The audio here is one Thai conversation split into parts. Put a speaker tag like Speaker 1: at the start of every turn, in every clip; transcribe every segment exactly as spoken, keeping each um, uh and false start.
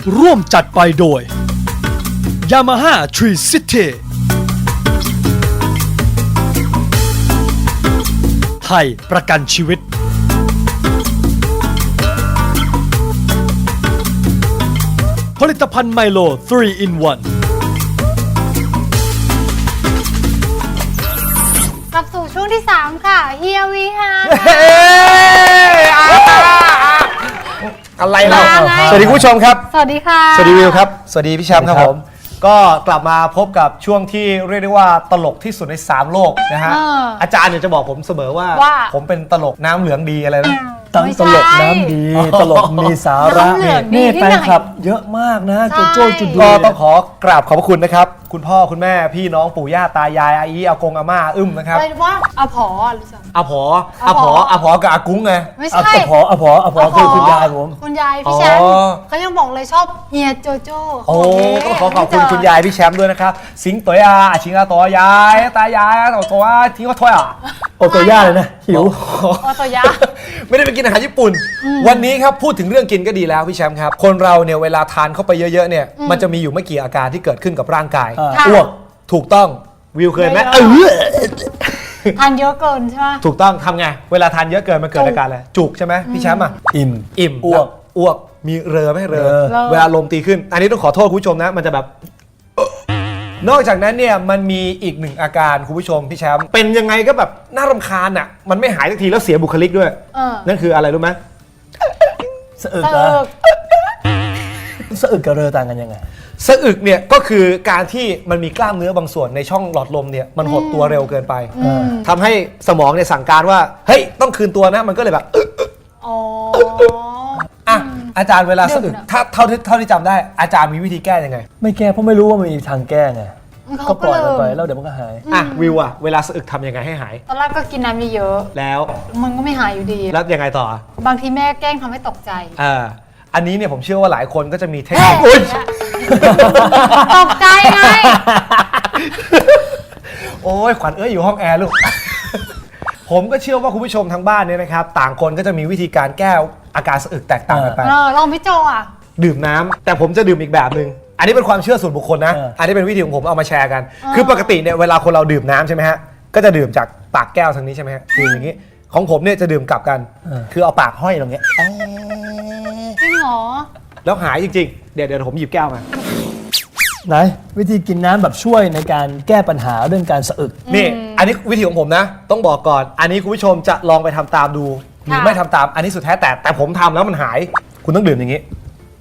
Speaker 1: ร่วมจัดไปโดย Yamaha Tree City ไทยประกันชีวิตผลิตภัณฑ์ไมโล ทรี อิน วัน
Speaker 2: กลับสู่ช่วงที่สามค่ะเฮียวีฮา
Speaker 3: อะไรเราสวัสดีคุณผู้ชมครับ
Speaker 2: สวัสดีค่ะ
Speaker 3: สวัสดีวิวครับสวัสดีพี่แชมป์ครับผมก็กลับมาพบกับช่วงที่เรียกได้ว่าตลกที่สุดในสามโลกนะฮะ
Speaker 2: เออ
Speaker 3: อาจารย์เนี่ยจะบอกผมเสมอว่า
Speaker 2: ว่า
Speaker 3: ผมเป็นตลกน้ำเหลืองดีอะไรนะ
Speaker 1: ตั้งตลกน้ำดี ตลกมีสาระ
Speaker 2: น้ำเหลืองดี
Speaker 1: นี่
Speaker 2: ที่
Speaker 1: แฟ
Speaker 2: ไหน
Speaker 1: นคลับเยอะมากนะโจโจ้จุด
Speaker 3: ก็
Speaker 1: ดี
Speaker 3: ต้องขอกราบขอบพระคุณนะครับ คุณพ่อคุณแม่พี่น้องปู่ย่าตายายอาอีอากงอาม่าอึ้มนะครับ
Speaker 2: อะไรว่าอาผอหรือเปล่า
Speaker 3: อาผอ
Speaker 2: อา
Speaker 3: อา
Speaker 2: ผ
Speaker 3: ผ
Speaker 2: อ
Speaker 3: ออาผอกับอากุ้งไง
Speaker 2: ไม่
Speaker 1: อะ
Speaker 2: ใช่
Speaker 1: อพออะพออะพอคือคุณยายผม
Speaker 2: คุณยายพี่แชมป์
Speaker 3: อ๋อ
Speaker 2: เขายังบอกเลยชอบเฮียโจโจ้
Speaker 3: โอ้
Speaker 2: เขา
Speaker 3: ก็
Speaker 2: บ
Speaker 3: ขอขอบคุณคุณยายพี่แชมป์ด้วยนะครับสิงตัวยาชิงอาตัวยายตายายตัวตัวทิ้งก็ถ้วยอ่ะ
Speaker 1: โอโตย่าเลยนะ หิว
Speaker 2: โอโตยะ
Speaker 3: ไม่ได้ไปกินอาหารญี่ปุ่น วันนี้ครับพูดถึงเรื่องกินก็ดีแล้วพี่แชมป์ครับ คนเราเนี่ยเวลาทานเข้าไปเยอะๆเนี่ยมันจะมีอยู่ไม่กี่อาการที่เกิดขึ้นกับร่างกาย
Speaker 1: อ่า
Speaker 2: ค่ะ
Speaker 3: อ้วกถูกต้องวิวเคยไหม
Speaker 2: ไม่
Speaker 3: เอ
Speaker 2: เลย
Speaker 3: อ
Speaker 2: ทานเยอะเกินใช่ไหม
Speaker 3: ถูกต้องทำไงเวลาทานเยอะเกินมันเกิด
Speaker 2: จุก
Speaker 3: อาการอะไรจุกใช่ไหมพี่แชมป์อ่ะ
Speaker 1: อิ่ม
Speaker 3: อิ่ม
Speaker 1: อ้วก
Speaker 3: แล้อ้วกมีเรอไหมเรอ
Speaker 1: เรอ
Speaker 3: เวลาลมตีขึ้น อันนี้ต้องขอโทษคุณผู้ชมนะมันจะแบบ นอกจากนั้นเนี่ยมันมีอีกหนึ่งอาการคุณผู้ชมพี่แชมป์เป็นยังไงก็แบบน่ารำคาญอ่ะมันไม่หายสักทีแล้วเสียบุคลิกด้วย
Speaker 2: เออ
Speaker 3: นั่นคืออะไรรู้ไหม
Speaker 1: สะอึก
Speaker 2: เอ
Speaker 1: นะ
Speaker 2: อ
Speaker 1: สะอึกกับเรอต่างกันยังไง
Speaker 3: สะอึกเนี่ยก็คือการที่มันมีกล้ามเนื้อบางส่วนในช่องหลอดลมเนี่ยมันหดตัวเร็วเกินไป
Speaker 2: อืม
Speaker 3: ทำให้สมองเนี่ยสั่งการว่าเฮ้ยต้องคืนตัวนะมันก็เลยแบบอึ๊ะ
Speaker 2: อ๋อ
Speaker 3: อ่ะอาจารย์เวลาสะอึก
Speaker 2: เดี๋ยวนะ
Speaker 3: ถ้าเท่าที่เท่าที่จำได้อาจารย์มีวิธีแก้ยังไง
Speaker 1: ไม่แก้เพราะไม่รู้ว่ามันมีทางแก้ไง
Speaker 2: เขา
Speaker 1: ก็ป
Speaker 2: ก็
Speaker 1: ล่อย
Speaker 2: เล
Speaker 1: มันไป
Speaker 2: ย
Speaker 1: แล้วเดี๋ยวมันก็หาย
Speaker 3: อ่ะวิวอะเวลาสะอึกทำยังไงให้หาย
Speaker 2: ตอนแรกก็กินน้ำเยอะ
Speaker 3: แล้ว
Speaker 2: ๆมันก็ไม่หายอยู่ดี
Speaker 3: แล้วยังไงต่อ
Speaker 2: บางทีแม่แกล้งทำให้ตกใจ
Speaker 3: เอ่าอันนี้เนี่ยผมเชื่อว่าหลายคนก็จะมีเทค
Speaker 2: แม่
Speaker 3: นิคอุ๊ย
Speaker 2: ตกใจไง
Speaker 3: โอ้ยขวัญเอ้ยอยู่ห้องแอร์ลูก ผมก็เชื่อว่าคุณผู้ชมทางบ้านเนี่ยนะครับต่างคนก็จะมีวิธีการแก้อาการสะอึกแตกต่างกันไป
Speaker 2: เออลองพี่โจอ่ะ
Speaker 3: ดื่มน้ำแต่ผมจะดื่มอีกแบบหนึ่งอันนี้เป็นความเชื่อส่วนบุคคลนะ
Speaker 1: เอออั
Speaker 3: อันนี้เป็นวิธีของผมเอามาแชร์กัน
Speaker 2: อ๋อ
Speaker 3: คือปกติเนี่ยเวลาคนเราดื่มน้ำใช่ไหมฮะก็จะดื่มจากปากแก้วทางนี้ใช่ไหมฮะดื่มอย่างนี้ของผมเนี่ยจะดื่มกลับกัน คือเอาปากห้อยตรงเนี้ย
Speaker 2: จริงเหรอ
Speaker 3: แล้วหายจริงๆเดี๋ยวเดี๋ยวผมหยิบแก้วมา
Speaker 1: ไหนวิธีกินน้ำแบบช่วยในการแก้ปัญหาเรื่องการสะอึก
Speaker 3: นี่อันนี้วิธีของผมนะ ต้องบอกก่อน อันนี้คุณผู้ชมจะลองไปทำตามดู หรือ
Speaker 2: ค่ะ
Speaker 3: ไม่ทำตามอันนี้สุดแท้แต่แต่ผมทำแล้วมันหาย คุณต้องดื่มอย่างนี้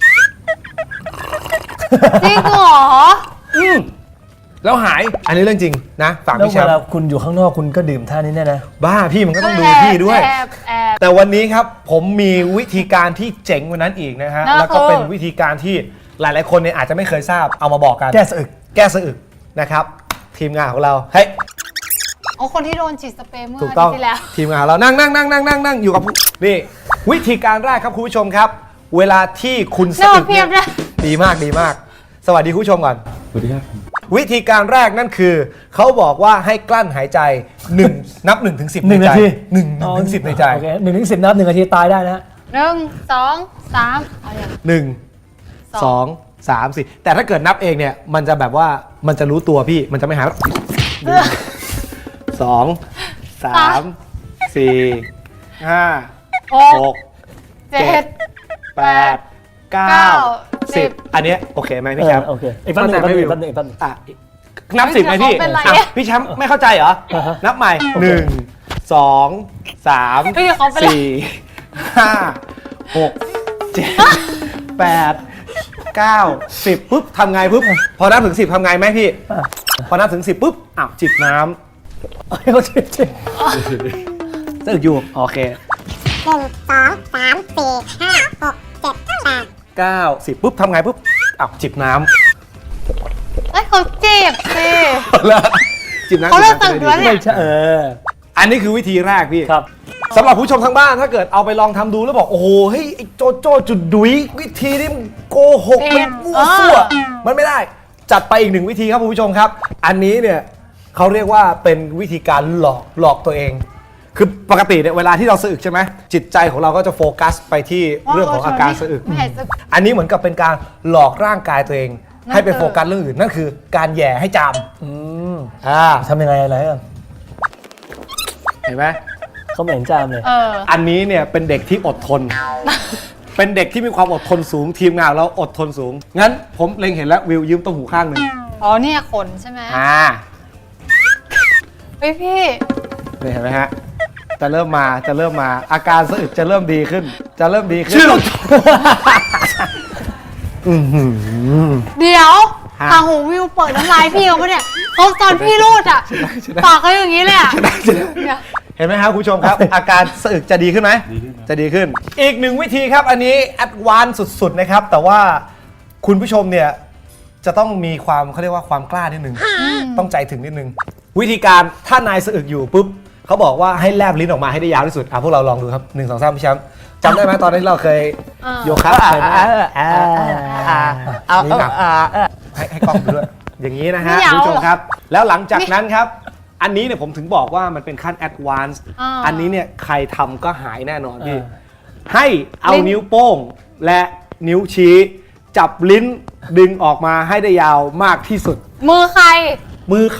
Speaker 2: จริงเหรอ
Speaker 3: อืมแล้วหายอันนี้เรื่องจริงนะฝาก
Speaker 1: แล้ว
Speaker 3: พี่แช
Speaker 1: เว
Speaker 3: ม
Speaker 1: ลา
Speaker 3: ป์
Speaker 1: คุณอยู่ข้างนอกคุณก็ดื่มท่านี้แน่นะ
Speaker 3: บ้าพี่มันก็ต้องดูพี่ด้วย
Speaker 2: แอบแอบ
Speaker 3: แต่วันนี้ครับผมมีวิธีการที่เจ๋งกว่านั้นอีกนะฮะ
Speaker 2: นั่น
Speaker 3: แล้วก็
Speaker 2: คือ
Speaker 3: เป็นวิธีการที่หลายๆคนเนี่ยอาจจะไม่เคยทราบเอามาบอกกัน
Speaker 1: แก้สะอึก
Speaker 3: แก้สะอึกนะครับ ทีมงานของเราเฮ้ย
Speaker 2: อ๋อคนที่โดนฉีดสเปรย์เมื่อ
Speaker 3: ถูก
Speaker 2: อา
Speaker 3: ต้
Speaker 2: ทิ
Speaker 3: อง
Speaker 2: ตย์ที่แล้ว
Speaker 3: ทีมงานของเรานั่งนั่งนั่งนั่งนั่งนั่งอยู่กับผู้นี่วิธีการแรกครับคุณผู้ชมครับ เวลาที่คุณสะอึก
Speaker 2: เพียบเลย
Speaker 3: ดีมากดีมาก สวัสดีคุณผู้ชมก่อน
Speaker 1: สวัสดีครับ
Speaker 3: วิธีการแรกนั่นคือ เขาบอกว่าให้กลั้นหายใจหนึ่งนับหนึ่งถึงสิบ
Speaker 1: หนึ่ง
Speaker 3: ใใจ
Speaker 1: นาที
Speaker 3: หนึ่งถึงสิบในใจ
Speaker 1: โอเคหนึ่งถึงสิบนับหนึ่งนาทีตายได้นะ
Speaker 2: หนึ่งสองสามเอาอย่าง
Speaker 3: หนึ่ง
Speaker 2: สอง
Speaker 3: สองสามสี่แต่ถ้าเกิดนับเองเนี่ยมันจะแบบว่ามันจะรู้ตัวพี่มันจะไม่หายหนึ่งสองสามสี่ห้า
Speaker 2: ห
Speaker 3: ห
Speaker 2: ก
Speaker 3: ก
Speaker 2: เจ็ด
Speaker 3: แปดเก้า
Speaker 2: เก้า
Speaker 3: สิบ
Speaker 2: สิบ
Speaker 3: อันเนี้ยโอเคไหมพี่แชมป์
Speaker 1: โอเคอีกแป๊บนึงอีกแป๊บนึงอีกแป๊บนึงอีกแป๊บนึง
Speaker 3: อ่ะนับสิบไหมพี่
Speaker 2: เขาเป็นไร
Speaker 3: อ่ะพี่แชมป์ไม่เข้าใจเหรอ
Speaker 1: อ่าฮะ
Speaker 3: นับใหม่หนึ่งสองสาม
Speaker 2: เฮ้ยเขาเป็นไร
Speaker 3: สี่ห้าหกเจ็ดแปดเก้าสิบปุ๊บทำไงปุ๊บพอนับถึงสิบทำไงไหมพี่
Speaker 1: อ่ะ
Speaker 3: พอนับถึงสิบปุ๊บอ้าวจิบน้
Speaker 1: เอาให้เขาชิมชิม
Speaker 3: ำตึกอยู่โอเค
Speaker 4: หนึ่งสองสามสี่ห้าหกเจ็ดแปด
Speaker 3: เก้าสิบปุ๊บทำไงปุ๊บอ้าวจิบน้
Speaker 2: เอ้ยเขาเจ็บสิ
Speaker 3: ำแล้วจิบน้ำ
Speaker 2: เขาเลิก
Speaker 3: จิบ
Speaker 2: ตึก
Speaker 3: น้ำ
Speaker 2: แล้วเนี่ย
Speaker 1: ไม่ใช่เออ
Speaker 3: อันนี้คือวิธีแรกพี่
Speaker 1: ครับ
Speaker 3: สำหรับผู้ชมทางบ้านถ้าเกิดเอาไปลองทำดูแล้วบอกโอ้โหเฮ้ยไอ้โจโจ้จุดดุยวิธีนี้มันโกหกมันมั่วซั่วมันไม่ได้จัดไปอีกหนึ่งวิธีครับคุณผู้ชมครับ อันนี้เนี่ยเขาเรียกว่าเป็นวิธีการหลอกหลอกตัวเองคือปกติเนี่ยเวลาที่เราสะอึกใช่ไหมจิตใจของเราก็จะโฟกัสไปที่เรื่องของอาการสะอึก
Speaker 2: ไม่หายสะอึก
Speaker 3: อันนี้เหมือนกับเป็นการหลอกร่างกายตัวเอง
Speaker 2: นั่น
Speaker 3: ให้ไป
Speaker 2: คือ
Speaker 3: โฟกัสเรื่องอื่นนั่นคือการแหย่ให้จ
Speaker 1: อืม
Speaker 3: ำอ่า
Speaker 1: ทำยังไงอะไรอ่ะ
Speaker 3: เห็นไหม
Speaker 1: เขาไม่เห็นจามเลย
Speaker 2: เออ
Speaker 3: อันนี้เนี่ยเป็นเด็กที่อดทน เป็นเด็กที่มีความอดทนสูงทีมงานเราอดทนสูง งั้นผมเล็งเห็นแล้ววิวยืมต้มหูข้างหนึ่ง
Speaker 2: อ๋อเนี่ยขนใช่ไหม
Speaker 3: อ่า
Speaker 2: เฮ้ยพี่
Speaker 3: นี่เห็นไหมฮะ จะเริ่มมาจะเริ่มมาอาการสะอึกจะเริ่มดีขึ้น จะเริ่มดีขึ้น
Speaker 1: ชื่อ
Speaker 2: เดี๋ยว
Speaker 3: ฮะ
Speaker 2: ทางหูวิวเปิดน้ำลายพี่เขาปะเนี่ยเขาตอนพี่รูดอ่ะปากเขาอย่างนี้เลยอ่ะเดี๋ยว
Speaker 3: เห็นไหมครับคุณผู้ชมครับ อาการสะอึกจะดีขึ้นไหมจะดีขึ้น อีกหนึ่งวิธีครับ อันนี้แอดวานซ์สุดๆนะครับ แต่ว่าคุณผู้ชมเนี่ยจะต้องมีความเขาเรียกว่าความกล้านิดนึง ต้องใจถึงนิดนึง วิธีการถ้านายสะอึกอยู่ปุ๊บเขาบอกว่าให้แลบลิ้นออกมาให้ได้ยาวที่สุดอ่ะพวกเราลองดูครับหนึ่งสองสามพี่แชมป์จำได้ไหมตอนที่เราเคย
Speaker 2: เออ
Speaker 3: โยคะเคยไหมเอานี่หนักให้ให้กล้องดูด้วยอย่างนี้นะฮะ
Speaker 2: ไม่ยาว
Speaker 3: คุณผู้ชม
Speaker 2: หรอ
Speaker 3: ครับ แล้วหลังจากนั้นครับ อันนี้เนี่ยผมถึงบอกว่ามันเป็นขั้นแอดวานซ์
Speaker 2: อ่า
Speaker 3: อันนี้เนี่ยใครทำก็หายแน่นอนพี่
Speaker 1: อ่า
Speaker 3: ให้เอา
Speaker 2: ลิ้น
Speaker 3: นิ้วโป้งและนิ้วชี้ จับลิ้นดึงออกมาให้ได้ยาวมากที่สุด
Speaker 2: มือใคร
Speaker 3: มือเขา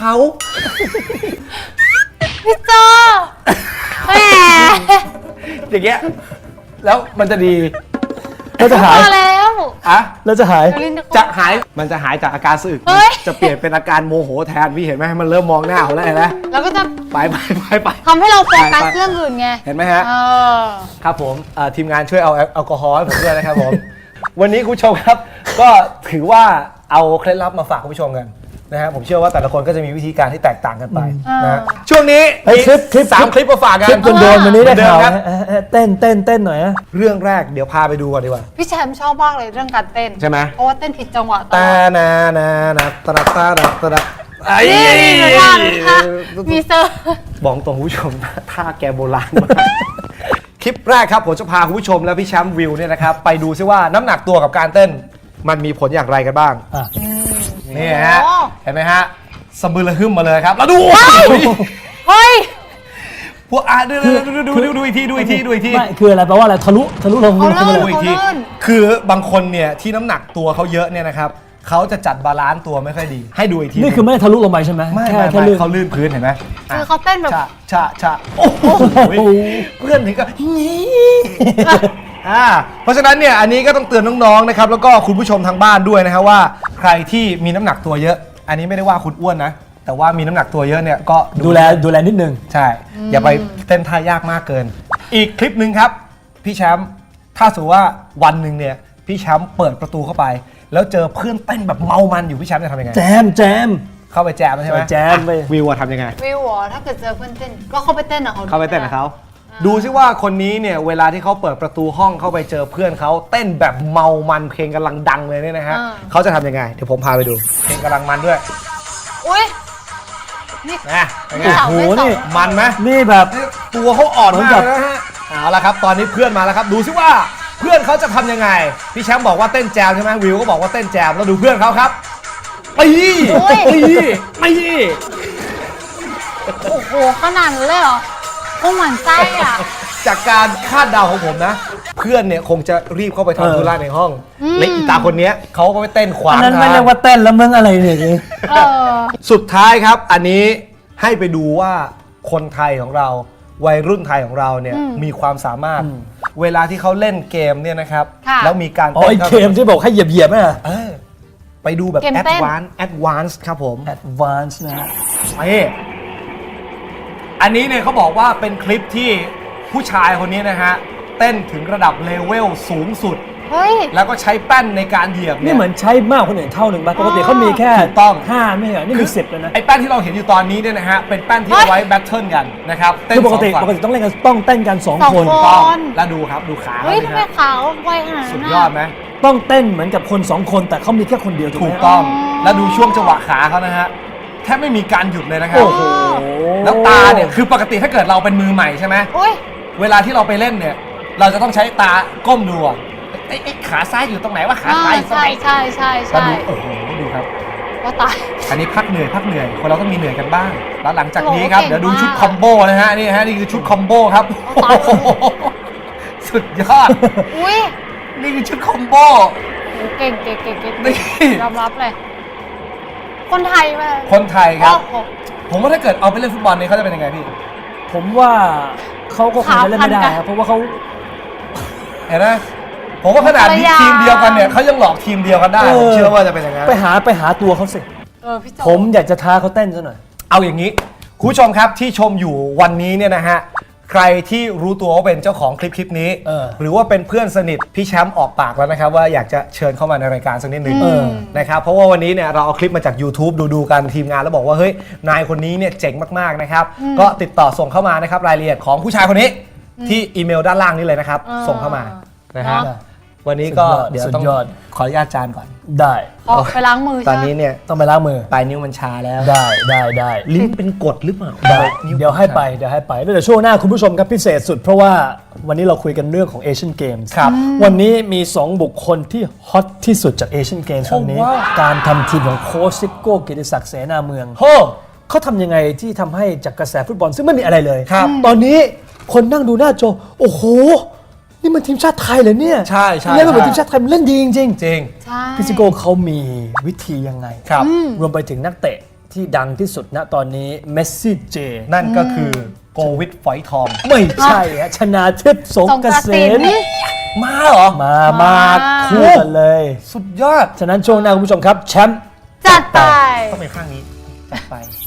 Speaker 2: พี่โจแหม
Speaker 3: อย่างเงี้ยแล้วมันจะดี
Speaker 1: แล้วจะหาย
Speaker 2: มาแล้ว
Speaker 3: อะ
Speaker 1: แล้วจะหาย
Speaker 2: ลิ้นจะ
Speaker 3: จะหายมันจะหายจากอาการสะอึก
Speaker 2: เฮ้ย
Speaker 3: จะเปลี่ยนเป็นอาการโมโหแทนพี่เห็นไหมมันเริ่มมองหน้าเขาแล้วเห็นไหม
Speaker 2: แล้วก็จะ
Speaker 3: ไปไปไปไป
Speaker 2: ทำให้เราโฟกัส
Speaker 3: ไปไป
Speaker 2: เรื่องอื่นไง
Speaker 3: เห็นไหมฮะ
Speaker 2: เออ
Speaker 3: ครับผมเอ่อทีมงานช่วยเอาแอลแอลกอฮอล์ให้ผมด้วยนะครับผม วันนี้คุณผู้ชมครับ ก็ถือว่าเอาเคล็ดลับมาฝากคุณผู้ชมกันนะฮะผมเชื่อว่าแต่ละคนก็จะมีวิธีการที่แตกต่างกันไปนะฮะ
Speaker 2: อ่า
Speaker 3: ช่วงนี้
Speaker 1: เฮ้ยคลิปคลิป
Speaker 3: สามคลิปมาฝากกัน
Speaker 1: คลิปโดนๆวันนี้ได้
Speaker 3: เหมือนเดิม
Speaker 1: ข่าว
Speaker 3: ครับ
Speaker 1: นะเออเออเต้นเต้นเต้นหน่อยนะ
Speaker 3: เรื่องแรกเดี๋ยวพาไปดูก่อนดีกว่า
Speaker 2: พี่แชมป์ชอบมากเลยเรื่องการเต้น
Speaker 3: ใช่ไหม
Speaker 2: เพราะว่าเต้นผิดจังหวะตล
Speaker 3: ตา
Speaker 2: อด
Speaker 3: นานานาตระตาตระตระไอ้
Speaker 2: นี่เหมือนกันค่ะมีเซอร์
Speaker 3: บอกตรงคุณผู้ชมท่าแกโบราณมากคลิปแรกครับผมจะพาคุณผู้ชมและพี่แชมป์วิวเนี่ยนะครับไปดูซิว่าน้ำหนักตัวกับการเต้น มันมีผลอย่างไรกันบ้าง
Speaker 1: อ่ะ
Speaker 3: นี่ฮะ
Speaker 2: โอ้
Speaker 3: เห็นไหมฮะสะบือระหึ่มมาเลยครับ แล้วดู
Speaker 2: เฮ้ย
Speaker 3: พวกอ่ะดูดูดูดูดูดูอีกทีดูอีกทีดูอีกที
Speaker 1: ไม่คืออะไรแปลว่าอะไรทะลุทะลุลง
Speaker 2: เอา
Speaker 1: ขึ้นมา
Speaker 2: เล
Speaker 1: เลย ย
Speaker 3: ดูอีกที
Speaker 2: เขาเลื่อน
Speaker 3: คือบางคนเนี่ยที่น้ำหนักตัวเขาเยอะเนี่ยนะครับเขาจะจัดบาลานซ์ตัวไม่ค่อยดี ให้ดูอีกที
Speaker 1: นี่คือไม่ได้ทะลุลงไปใช่ไหม
Speaker 3: ไม่
Speaker 1: แค่
Speaker 3: ไม่
Speaker 1: แค่
Speaker 3: ไม่
Speaker 1: ลื่น
Speaker 3: เขาลื่นพื้นเห็นไหม
Speaker 2: คือเขาเต้นแบบ
Speaker 3: ชะชะชะโอ้โหเพื่อนถึงก็งี้อ่าเพราะฉะนั้นเนี่ยอันนี้ก็ต้องเตือนน้องๆนะครับแล้วก็คุณผู้ชมทางบ้านด้วยนะครับว่าใครที่มีน้ำหนักตัวเยอะ อันนี้ไม่ได้ว่าคุณอ้วนนะ แต่ว่ามีน้ำหนักตัวเยอะเนี่ยก็
Speaker 1: ดูแลดูแลนิดนึง
Speaker 3: ใช่ อย่าไปเต้นท่ายากมากเกิน อีกคลิปหนึ่งครับ พี่แชมป์ถ้าสมมติว่าวันหนึ่งเนี่ยพี่แชมป์เปิดประตูเข้าไป แล้วเจอเพื่อนเต้นแบบเมามันอยู่พี่แชมป์จะทำยังไง
Speaker 1: แจมแจม
Speaker 3: เข้าไปแจมใช่ไหม
Speaker 1: แจมไป
Speaker 3: อ่ะวิวอะทำยังไง
Speaker 2: วิวเหรอถ้าเกิดเจอเพื่อนเต้น ก็เขาไปเต้นกับเขา
Speaker 3: เข้าไปเต้นกับเขาดูซิว่าคนนี้เนี่ยเวลาที่เขาเปิดประตูห้องเข้าไปเจอเพื่อนเขาเต้นแบบเมามันเพลงกำลังดังเลยเนี่ยนะฮะเขาจะทำยังไงเดี๋ยวผมพาไปดู เพลงกำลังมันด้วย
Speaker 2: อุ้ยนี่
Speaker 3: นะเป็นไง
Speaker 2: ไม่เสา
Speaker 1: โอ้โห
Speaker 2: ไม่เสา
Speaker 1: นี่
Speaker 3: มันไหม
Speaker 1: นี่แบบ
Speaker 3: ตัวเขาอ่อน
Speaker 1: เหมื
Speaker 3: มา
Speaker 1: อนกับ
Speaker 3: กนะฮะเอาละครับตอนนี้เพื่อนมาแล้วครับดูซิว่าเพื่อนเขาจะทำยังไงพี่แชมป์บอกว่าเต้นแจมใช่ไหมวิวก็บอกว่าเต้นแจมแล้วดูเพื่อนเขาครับไปไปไป
Speaker 2: โอ้โหขนาดนั้นเลยเหรอคงหมั่นไส้อ่ะ
Speaker 3: จากการคาดเดาของผมนะ เพื่อนเนี่ยคงจะรีบเข้าไป
Speaker 1: เออ
Speaker 3: ทำธุระในห้อง
Speaker 2: อืม
Speaker 3: และอีตาคนเนี้ยเขาก็ไปเต้นขวา
Speaker 1: อั
Speaker 3: ง
Speaker 1: นนั้นไม่
Speaker 3: ทาง
Speaker 1: เรียกว่าเต้นแล้วมึงอะไรเนี่ยนี่
Speaker 2: เออ
Speaker 3: สุดท้ายครับ อันนี้ให้ไปดูว่าคนไทยของเราวัยรุ่นไทยของเราเนี่ย
Speaker 2: อืม
Speaker 3: มีความสามารถ เวลาที่เขาเล่นเกมเนี่ยนะครับ
Speaker 2: ค่ะ
Speaker 3: แล้วมีการ
Speaker 1: อ๋อไอเกมที่บอกให้เหยียบเหยียบๆน่ะ
Speaker 3: เออไปดูแบบ
Speaker 2: เกม
Speaker 3: แอด
Speaker 2: เต้น
Speaker 3: วานซ์แอดวานซ์ครับผม
Speaker 1: advance นะฮะ
Speaker 3: นี่อันนี้เนี่ยเขาบอกว่าเป็นคลิปที่ผู้ชายคนนี้นะฮะเต้นถึงระดับเลเวลสูงสุด
Speaker 2: เฮ้ย
Speaker 3: แล้วก็ใช้แป้นในการเหยียบ
Speaker 1: นี่
Speaker 3: เนี่ย
Speaker 1: เหมือนใช้มากกว่าคนอื่นเท่าหนึ่งป่ะปกติเขามีแค่
Speaker 3: ถูกต้อง
Speaker 1: ห้าไม่ใช่เหรอนี่มีสิบเลยนะ
Speaker 3: ไอ้แป้นที่เราเห็นอยู่ตอนนี้เนี่ยนะฮะเป็นแป้นที่
Speaker 2: เฮ้ย
Speaker 3: เอาไว้แบทเทิลกันนะครับเต้น
Speaker 1: คือปกติ
Speaker 3: สอง
Speaker 1: ป
Speaker 3: ฝั่ง
Speaker 1: กติต้องเล่นกันต้องเต้นกันสอง
Speaker 2: สอง
Speaker 1: คน
Speaker 2: คน
Speaker 3: ต้องแล้วดูครับดูขา
Speaker 2: เฮ้ย
Speaker 3: เขา
Speaker 2: ทำ
Speaker 3: สิ
Speaker 2: ไม
Speaker 3: ครับ
Speaker 2: ขาวไวขนาดนั้น
Speaker 3: สุด
Speaker 2: น่ะ
Speaker 3: ยอดไหม
Speaker 1: ต้องเต้นเหมือนกับคนสองคนแต่เขามีแค่คนเดียวถูก
Speaker 3: ถู
Speaker 1: ไหม
Speaker 3: กต้อง
Speaker 2: อ๋อ
Speaker 3: แล้วดูช่วงจังหวะขาเขานะฮะแทบไม่มีการหยุดเลยนะครับ
Speaker 1: โอ้โห
Speaker 3: แล้วตาเนี่ยคือปกติถ้าเกิดเราเป็นมือใหม่ใช่ไหม
Speaker 2: โอ้ย
Speaker 3: เวลาที่เราไปเล่นเนี่ย เราจะต้องใช้ตาก้มดูอะไอ้ไอ้ขาซ้ายอยู่ตรงไหนวะขา
Speaker 2: อ่า
Speaker 3: ซ้ายอยู่ตรง
Speaker 2: ใช่
Speaker 3: ไหน
Speaker 2: ใช่ใช่
Speaker 3: ก็
Speaker 2: ใช่
Speaker 3: ดูโอ้โหดูครับ
Speaker 2: ไวก็ตาย
Speaker 3: อันนี้พักเหนื่อยพักเหนื่อยคนเราต้องมีเหนื่อยกันบ้าง แล้วหลังจากนี้ครับ
Speaker 2: โอ้โห
Speaker 3: เดี๋ยวดู
Speaker 2: เก่งมาก
Speaker 3: ชุดคอมโบนะฮะนี่ฮะนี่คือชุดคอมโบครับ
Speaker 2: ตาย
Speaker 3: โอ้โหสุดยอด
Speaker 2: อุ้ย
Speaker 3: นี่คือชุดคอมโบ
Speaker 2: โอ้เก่งเก่งเก่งเก่ง
Speaker 3: นี่
Speaker 2: ยอมรับเลย คนไทยมา
Speaker 3: คนไทยครับ
Speaker 2: โอ้โห
Speaker 3: ผมว่าถ้าเกิดเอาไปเล่นฟุตบอลเนี่ยเขาจะเป็นยังไงพี่
Speaker 1: ผมว่าเขาก็คงจะเล่นไม่ได้
Speaker 2: ขาพันกัน
Speaker 1: ครับเพราะว่าเขา
Speaker 3: เห็นไหมผมว่าขนาดนี้
Speaker 2: ภรรยา
Speaker 3: ทีมเดียวกันเนี่ยเขายังหลอกทีมเดียวกันได้
Speaker 1: เออ
Speaker 3: ผมเชื่อว่าจะเป็นอย่างนั้น
Speaker 1: ไปหาไปหาตัวเขาสิ
Speaker 2: เออพี่โจ
Speaker 1: ผมอยากจะท้าเขาเต้นซะหน่อย
Speaker 3: เอาอย่างนี้คุณผู้ชมครับที่ชมอยู่วันนี้เนี่ยนะฮะใครที่รู้ตัวว่าเป็นเจ้าของคลิปคลิปนี้
Speaker 1: เออ
Speaker 3: หรือว่าเป็นเพื่อนสนิทพี่แชมป์ออกปากแล้วนะครับว่าอยากจะเชิญเข้ามาในรายการสักนิดนึง
Speaker 1: เออ
Speaker 3: นะครับเพราะว่าวันนี้เนี่ยเราเอาคลิปมาจาก YouTube ดูดูๆกันทีมงานแล้วบอกว่าเฮ้ยนายคนนี้เนี่ยเจ๋งมากๆนะครับก็ติดต่อส่งเข้ามานะครับรายละเอียดของผู้ชายคนนี้ที่อีเมลด้านล่างนี้เลยนะครับ
Speaker 2: เออ
Speaker 3: ส่งเข้ามานะฮะ
Speaker 2: เนอะ
Speaker 3: วันนี้ก็
Speaker 1: สุดยอด
Speaker 3: เดี๋ยว
Speaker 1: สุด
Speaker 3: ต้อง
Speaker 1: ยอด
Speaker 3: ขออนุญาตจานก่อน
Speaker 1: ได้
Speaker 2: ออกไปล้างมือ
Speaker 3: ตอน
Speaker 2: ใช่ไหม
Speaker 3: นี้เนี่ย
Speaker 1: ต้องไปล้างมือ
Speaker 3: ปลายนิ้วมันชาแล้ว
Speaker 1: ได้ได้ได้
Speaker 3: ลิ้นเป็นกรดหรือเปล่า
Speaker 1: ได้
Speaker 3: นิ้
Speaker 1: เดี๋ยวให้ไปเดี๋ยวให้ไปแล้วเดี๋ยวช่วงหน้าคุณผู้ชมครับพิเศษสุดเพราะว่าวันนี้เราคุยกันเรื่องของเอเชียนเกมส์
Speaker 3: ครับ
Speaker 1: วันนี้มี สอง บุคคลที่ฮอตที่สุดจากเอเชียนเกมส์ครั้งนี้
Speaker 3: ว้าว
Speaker 1: การทำทีมของโค้ชซิโก้เกียรติศักดิ์เสนาเมือง
Speaker 3: โอ้
Speaker 1: เขาทำยังไงที่ทำให้จากกระแสฟุตบอลซึ่งไม่มีอะไรเลย
Speaker 3: ครับ
Speaker 1: ตอนนี้คนนั่งดูหน้าจอโอ้โห นี่มันทีมชาติไทยเหรอเนี่ย
Speaker 3: ใช่ใช่
Speaker 1: เล่นมาเหมือน
Speaker 3: ใช่
Speaker 1: ทีมชาติไทยมันเล่นดีจริง
Speaker 3: จริง
Speaker 2: ใช่
Speaker 1: ๆพี่ซิโก้เขามีวิธียังไง
Speaker 3: ครับ
Speaker 1: รวมไปถึงนักเตะที่ดังที่สุดณตอนนี้เมสซี่เจ
Speaker 3: นั่นก็คือโกวิดฝอยทอง
Speaker 1: ไม่ใช่ฮะชนาทิพย์สง
Speaker 2: สง
Speaker 1: เก
Speaker 2: กระ
Speaker 1: ษ
Speaker 2: สิ
Speaker 1: ม
Speaker 2: น
Speaker 3: มาเหรอ
Speaker 1: มามาคู่กันเลย
Speaker 3: สุดยอด
Speaker 1: ฉะนั้นช่วงหน้าคุณผู้ชมครับแชมป์
Speaker 2: จัดไป
Speaker 3: ต้องเป็นข้างนี้จัดไป